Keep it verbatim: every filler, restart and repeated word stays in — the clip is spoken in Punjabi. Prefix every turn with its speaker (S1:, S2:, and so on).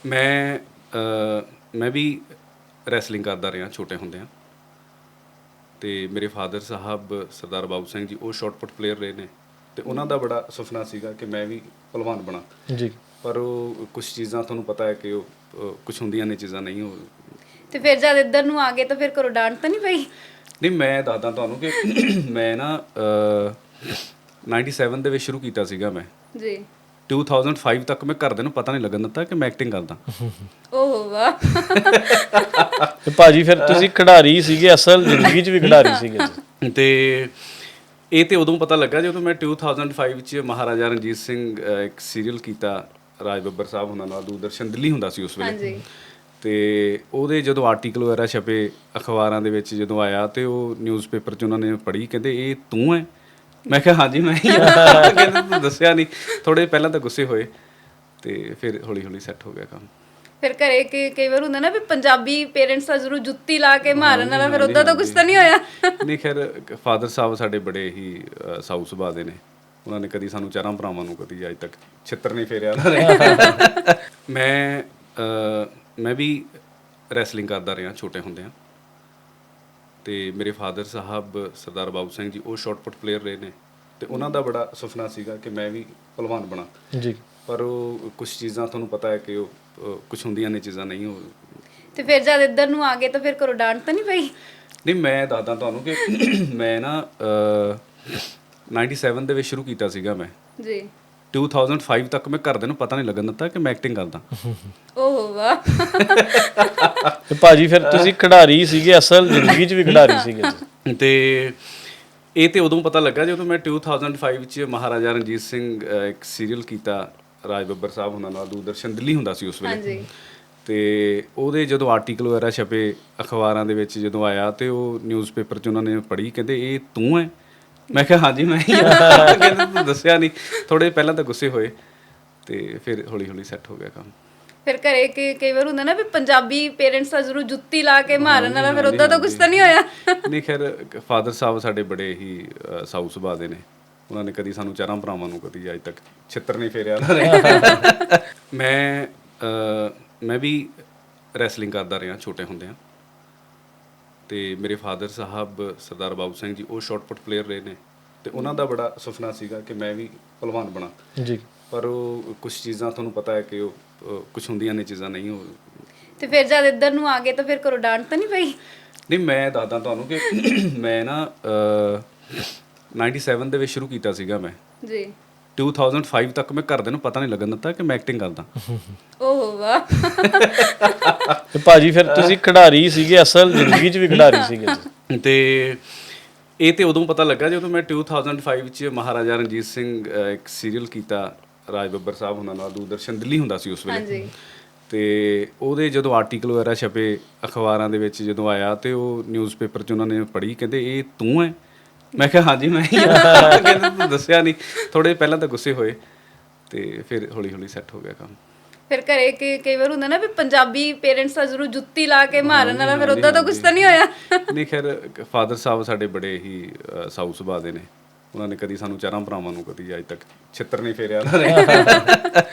S1: ਮੈਂ ਅ, ਮੈਂ ਵੀ ਰੈਸਲਿੰਗ ਕਰਦਾ ਰਿਹਾ ਛੋਟੇ ਹੁੰਦਿਆਂ ਅਤੇ ਮੇਰੇ ਫਾਦਰ ਸਾਹਿਬ ਸਰਦਾਰ ਬਾਬੂ ਸਿੰਘ ਜੀ ਉਹ ਸ਼ਾਟ ਪੁੱਟ ਪਲੇਅਰ ਰਹੇ ਨੇ ਅਤੇ ਉਹਨਾਂ ਦਾ ਬੜਾ ਸੁਪਨਾ ਸੀਗਾ ਕਿ ਮੈਂ ਵੀ ਭਲਵਾਨ ਬਣਾ।
S2: ਜੀ।
S1: ਪਰ ਉਹ ਕੁਛ ਚੀਜ਼ਾਂ ਤੁਹਾਨੂੰ ਪਤਾ ਹੈ ਕਿ ਉਹ ਕੁਛ ਹੁੰਦੀਆਂ ਨੇ ਚੀਜ਼ਾਂ ਨਹੀਂ ਉਹ
S3: ਤੇ ਫਿਰ ਜਦ ਇੱਧਰ ਨੂੰ ਆ ਗਏ ਤਾਂ ਫਿਰ ਘਰੋਂ ਡਾਂਟ ਤਾਂ ਨਹੀਂ ਪਈ?
S1: ਨਹੀਂ, ਮੈਂ ਦੱਸਦਾ ਤੁਹਾਨੂੰ ਕਿ ਮੈਂ ਨਾ ਨਾਈਨਟੀ ਸੈਵਨ ਦੇ ਵਿੱਚ ਸ਼ੁਰੂ ਕੀਤਾ ਸੀਗਾ ਮੈਂ
S3: ਜੀ।
S1: ਟੂ ਥਾਊਜ਼ੈਂਡ ਫਾਈਵ ਤੱਕ ਮੈਂ ਘਰਦਿਆਂ ਨੂੰ ਪਤਾ ਨਹੀਂ ਲੱਗਣ ਦਿੱਤਾ ਕਿ ਮੈਂ ਐਕਟਿੰਗ ਕਰਦਾ।
S3: ਓਹ ਵਾਹ।
S2: ਤੇ ਭਾਜੀ ਫਿਰ ਤੁਸੀਂ ਖਿਡਾਰੀ ਸੀਗੇ, ਅਸਲ ਜ਼ਿੰਦਗੀ 'ਚ ਵੀ ਖਿਡਾਰੀ ਸੀਗੇ ਜੀ।
S1: ਅਤੇ ਇਹ ਤਾਂ ਉਦੋਂ ਪਤਾ ਲੱਗਾ ਜਦੋਂ ਮੈਂ ਟੂ ਥਾਊਜ਼ੈਂਡ ਫਾਈਵ 'ਚ ਮਹਾਰਾਜਾ ਰਣਜੀਤ ਸਿੰਘ ਅ, ਇੱਕ ਸੀਰੀਅਲ ਕੀਤਾ ਰਾਜ ਬੱਬਰ ਸਾਹਿਬ ਉਹਨਾਂ ਨਾਲ, ਦੂਰਦਰਸ਼ਨ ਦਿੱਲੀ ਹੁੰਦਾ ਸੀ ਉਸ ਵੇਲੇ।
S3: ਹਾਂਜੀ।
S1: ਅਤੇ ਉਹਦੇ ਜਦੋਂ ਆਰਟੀਕਲ ਵਗੈਰਾ ਛਪੇ ਅਖਬਾਰਾਂ ਦੇ ਵਿੱਚ ਜਦੋਂ ਆਇਆ ਅਤੇ ਉਹ ਨਿਊਜ਼ਪੇਪਰ 'ਚ ਉਹਨਾਂ ਨੇ ਪੜ੍ਹੀ, ਕਹਿੰਦੇ ਇਹ ਤੂੰ ਹੈ? ਮੈਂ ਕਿਹਾ ਹਾਂਜੀ ਮੈਂ ਹੀ ਹਾਂ। ਕਹਿੰਦੇ ਤੂੰ ਦੱਸਿਆ ਨਹੀਂ। ਥੋੜ੍ਹੇ ਪਹਿਲਾਂ ਤਾਂ ਗੁੱਸੇ ਹੋਏ ਅਤੇ ਫਿਰ ਹੌਲੀ ਹੌਲੀ ਸੈੱਟ ਹੋ ਗਿਆ ਕੰਮ।
S3: ਫਿਰ ਘਰੇ ਕਿ ਕਈ ਵਾਰ ਹੁੰਦਾ ਨਾ ਵੀ ਪੰਜਾਬੀ ਪੇਰੈਂਟਸ ਆ ਜ਼ਰੂਰ ਜੁੱਤੀ ਲਾ ਕੇ ਮਾਰਨ ਵਾਲਾ, ਫਿਰ ਉੱਦਾਂ ਤਾਂ ਕੁਛ ਤਾਂ ਨਹੀਂ ਹੋਇਆ?
S1: ਨਹੀਂ, ਖੈਰ ਫਾਦਰ ਸਾਹਿਬ ਸਾਡੇ ਬੜੇ ਹੀ ਅ, ਸਾਊ ਸੁਭਾਅ ਦੇ ਨੇ। ਉਹਨਾਂ ਨੇ ਕਦੀ ਸਾਨੂੰ ਚਾਰਾਂ ਭਰਾਵਾਂ ਨੂੰ ਕਦੀ ਅੱਜ ਤੱਕ ਛਿੱਤਰ ਨਹੀਂ ਫੇਰਿਆ ਉਹਨਾਂ ਨੇ। ਮੈਂ ਅ, ਮੈਂ ਵੀ ਰੈਸਲਿੰਗ ਕਰਦਾ ਰਿਹਾ ਛੋਟੇ ਹੁੰਦਿਆਂ ਅਤੇ ਮੇਰੇ ਫਾਦਰ ਸਾਹਿਬ ਸਰਦਾਰ ਬਾਬੂ ਸਿੰਘ ਜੀ ਉਹ ਸ਼ਾਟ ਪੁੱਟ ਪਲੇਅਰ ਰਹੇ ਨੇ ਅਤੇ ਉਹਨਾਂ ਦਾ ਬੜਾ ਸੁਪਨਾ ਸੀਗਾ ਕਿ ਮੈਂ ਵੀ ਭਲਵਾਨ ਬਣਾ।
S2: ਜੀ।
S1: ਪਰ ਉਹ ਕੁਛ ਚੀਜ਼ਾਂ ਤੁਹਾਨੂੰ ਪਤਾ ਹੈ ਕਿ ਉਹ ਅ, ਕੁਛ ਹੁੰਦੀਆਂ ਨੇ ਚੀਜ਼ਾਂ ਨਹੀਂ ਉਹ
S3: ਤੇ ਫਿਰ ਜਦ ਇੱਧਰ ਨੂੰ ਆ ਗਏ ਤਾਂ ਫਿਰ ਘਰੋਂ ਡਾਂਟ ਤਾਂ ਨਹੀਂ ਪਈ?
S1: ਨਹੀਂ, ਮੈਂ ਦੱਸਦਾ ਤੁਹਾਨੂੰ ਕਿ ਮੈਂ ਨਾ ਨਾਈਨਟੀ ਸੈਵਨ ਦੇ ਵਿੱਚ ਸ਼ੁਰੂ ਕੀਤਾ ਸੀਗਾ ਮੈਂ
S3: ਜੀ।
S1: ਟੂ ਥਾਊਜ਼ੈਂਡ ਫਾਈਵ ਤੱਕ ਮੈਂ ਘਰਦਿਆਂ ਨੂੰ ਪਤਾ ਨਹੀਂ ਲੱਗਣ ਦਿੱਤਾ ਕਿ ਮੈਂ ਐਕਟਿੰਗ ਕਰਦਾ।
S3: ਓਹ ਵਾਹ।
S2: ਤੇ ਭਾਜੀ ਫਿਰ ਤੁਸੀਂ ਖਿਡਾਰੀ ਸੀਗੇ, ਅਸਲ ਜ਼ਿੰਦਗੀ 'ਚ ਵੀ ਖਿਡਾਰੀ ਸੀਗੇ ਜੀ।
S1: ਅਤੇ ਇਹ ਤਾਂ ਉਦੋਂ ਪਤਾ ਲੱਗਾ ਜਦੋਂ ਮੈਂ ਟੂ ਥਾਊਜ਼ੈਂਡ ਫਾਈਵ 'ਚ ਮਹਾਰਾਜਾ ਰਣਜੀਤ ਸਿੰਘ ਅ, ਇੱਕ ਸੀਰੀਅਲ ਕੀਤਾ ਰਾਜ ਬੱਬਰ ਸਾਹਿਬ ਉਹਨਾਂ ਨਾਲ, ਦੂਰਦਰਸ਼ਨ ਦਿੱਲੀ ਹੁੰਦਾ ਸੀ ਉਸ ਵੇਲੇ।
S3: ਹਾਂਜੀ।
S1: ਅਤੇ ਉਹਦੇ ਜਦੋਂ ਆਰਟੀਕਲ ਵਗੈਰਾ ਛਪੇ ਅਖਬਾਰਾਂ ਦੇ ਵਿੱਚ ਜਦੋਂ ਆਇਆ ਅਤੇ ਉਹ ਨਿਊਜ਼ਪੇਪਰ 'ਚ ਉਹਨਾਂ ਨੇ ਪੜ੍ਹੀ, ਕਹਿੰਦੇ ਇਹ ਤੂੰ ਹੈ? ਮੈਂ ਕਿਹਾ ਹਾਂਜੀ ਮੈਂ ਹੀ ਹਾਂ। ਕਹਿੰਦੇ ਤੂੰ ਦੱਸਿਆ ਨਹੀਂ। ਥੋੜ੍ਹੇ ਪਹਿਲਾਂ ਤਾਂ ਗੁੱਸੇ ਹੋਏ ਅਤੇ ਫਿਰ ਹੌਲੀ ਹੌਲੀ ਸੈੱਟ ਹੋ ਗਿਆ ਕੰਮ।
S3: ਫਿਰ ਘਰੇ ਕਿ ਕਈ ਵਾਰ ਹੁੰਦਾ ਨਾ ਵੀ ਪੰਜਾਬੀ ਪੇਰੈਂਟਸ ਆ ਜ਼ਰੂਰ ਜੁੱਤੀ ਲਾ ਕੇ ਮਾਰਨ ਵਾਲਾ, ਫਿਰ ਉੱਦਾਂ ਤਾਂ ਕੁਛ ਤਾਂ ਨਹੀਂ ਹੋਇਆ?
S1: ਨਹੀਂ, ਖੈਰ ਫਾਦਰ ਸਾਹਿਬ ਸਾਡੇ ਬੜੇ ਹੀ ਅ, ਸਾਊ ਸੁਭਾਅ ਦੇ ਨੇ। ਉਹਨਾਂ ਨੇ ਕਦੀ ਸਾਨੂੰ ਚਾਰਾਂ ਭਰਾਵਾਂ ਨੂੰ ਕਦੀ ਅੱਜ ਤੱਕ ਛਿੱਤਰ ਨਹੀਂ ਫੇਰਿਆ ਉਹਨਾਂ ਨੇ। ਮੈਂ ਅ, ਮੈਂ ਵੀ ਰੈਸਲਿੰਗ ਕਰਦਾ ਰਿਹਾ ਛੋਟੇ ਹੁੰਦਿਆਂ ਅਤੇ ਮੇਰੇ ਫਾਦਰ ਸਾਹਿਬ ਸਰਦਾਰ ਬਾਬੂ ਸਿੰਘ ਜੀ ਉਹ ਸ਼ਾਟ ਪੁੱਟ ਪਲੇਅਰ ਰਹੇ ਨੇ ਅਤੇ ਉਹਨਾਂ ਦਾ ਬੜਾ ਸੁਪਨਾ ਸੀਗਾ ਕਿ ਮੈਂ ਵੀ ਭਲਵਾਨ ਬਣਾ।
S2: ਜੀ।
S1: ਪਰ ਉਹ ਕੁਛ ਚੀਜ਼ਾਂ ਤੁਹਾਨੂੰ ਪਤਾ ਹੈ ਕਿ ਉਹ ਅ, ਕੁਛ ਹੁੰਦੀਆਂ ਨੇ ਚੀਜ਼ਾਂ ਨਹੀਂ ਉਹ
S3: ਤੇ ਫਿਰ ਜਦ ਇੱਧਰ ਨੂੰ ਆ ਗਏ ਤਾਂ ਫਿਰ ਘਰੋਂ ਡਾਂਟ ਤਾਂ ਨਹੀਂ ਪਈ?
S1: ਨਹੀਂ, ਮੈਂ ਦੱਸਦਾ ਤੁਹਾਨੂੰ ਕਿ ਮੈਂ ਨਾ ਨਾਈਨਟੀ ਸੈਵਨ ਦੇ ਵਿੱਚ ਸ਼ੁਰੂ ਕੀਤਾ ਸੀਗਾ ਮੈਂ
S3: ਜੀ।
S1: ਟੂ ਥਾਊਜ਼ੈਂਡ ਫਾਈਵ ਤੱਕ ਮੈਂ ਘਰਦਿਆਂ ਨੂੰ ਪਤਾ ਨਹੀਂ ਲੱਗਣ ਦਿੱਤਾ ਕਿ ਮੈਂ ਐਕਟਿੰਗ ਕਰਦਾ।
S3: ਓਹ ਵਾਹ।
S2: ਤੇ ਭਾਜੀ ਫਿਰ ਤੁਸੀਂ ਖਿਡਾਰੀ ਸੀਗੇ, ਅਸਲ ਜ਼ਿੰਦਗੀ 'ਚ ਵੀ ਖਿਡਾਰੀ ਸੀਗੇ ਜੀ।
S1: ਅਤੇ ਇਹ ਤਾਂ ਉਦੋਂ ਪਤਾ ਲੱਗਾ ਜਦੋਂ ਮੈਂ ਟੂ ਥਾਊਜ਼ੈਂਡ ਫਾਈਵ 'ਚ ਮਹਾਰਾਜਾ ਰਣਜੀਤ ਸਿੰਘ ਅ, ਇੱਕ ਸੀਰੀਅਲ ਕੀਤਾ ਰਾਜ ਬੱਬਰ ਸਾਹਿਬ ਉਹਨਾਂ ਨਾਲ, ਦੂਰਦਰਸ਼ਨ ਦਿੱਲੀ ਹੁੰਦਾ ਸੀ ਉਸ ਵੇਲੇ।
S3: ਹਾਂਜੀ।
S1: ਅਤੇ ਉਹਦੇ ਜਦੋਂ ਆਰਟੀਕਲ ਵਗੈਰਾ ਛਪੇ ਅਖਬਾਰਾਂ ਦੇ ਵਿੱਚ ਜਦੋਂ ਆਇਆ ਅਤੇ ਉਹ ਨਿਊਜ਼ਪੇਪਰ 'ਚ ਉਹਨਾਂ ਨੇ ਪੜ੍ਹੀ, ਕਹਿੰਦੇ ਇਹ ਤੂੰ ਹੈ? ਮੈਂ ਕਿਹਾ ਹਾਂਜੀ ਮੈਂ ਹੀ ਹਾਂ। ਕਹਿੰਦੇ ਤੂੰ ਦੱਸਿਆ ਨਹੀਂ। ਥੋੜ੍ਹੇ ਪਹਿਲਾਂ ਤਾਂ ਗੁੱਸੇ ਹੋਏ ਅਤੇ ਫਿਰ ਹੌਲੀ ਹੌਲੀ ਸੈੱਟ ਹੋ ਗਿਆ ਕੰਮ।
S3: ਫਿਰ ਘਰੇ ਕਿ ਕਈ ਵਾਰ ਹੁੰਦਾ ਨਾ ਵੀ ਪੰਜਾਬੀ ਪੇਰੈਂਟਸ ਆ ਜ਼ਰੂਰ ਜੁੱਤੀ ਲਾ ਕੇ ਮਾਰਨ ਵਾਲਾ, ਫਿਰ ਉੱਦਾਂ ਤਾਂ ਕੁਛ ਤਾਂ ਨਹੀਂ ਹੋਇਆ?
S1: ਨਹੀਂ, ਖੈਰ ਫਾਦਰ ਸਾਹਿਬ ਸਾਡੇ ਬੜੇ ਹੀ ਅ, ਸਾਊ ਸੁਭਾਅ ਦੇ ਨੇ। ਉਹਨਾਂ ਨੇ ਕਦੀ ਸਾਨੂੰ ਚਾਰਾਂ ਭਰਾਵਾਂ ਨੂੰ ਕਦੀ ਅੱਜ ਤੱਕ ਛਿੱਤਰ ਨਹੀਂ ਫੇਰਿਆ ਉਹਨਾਂ ਨੇ।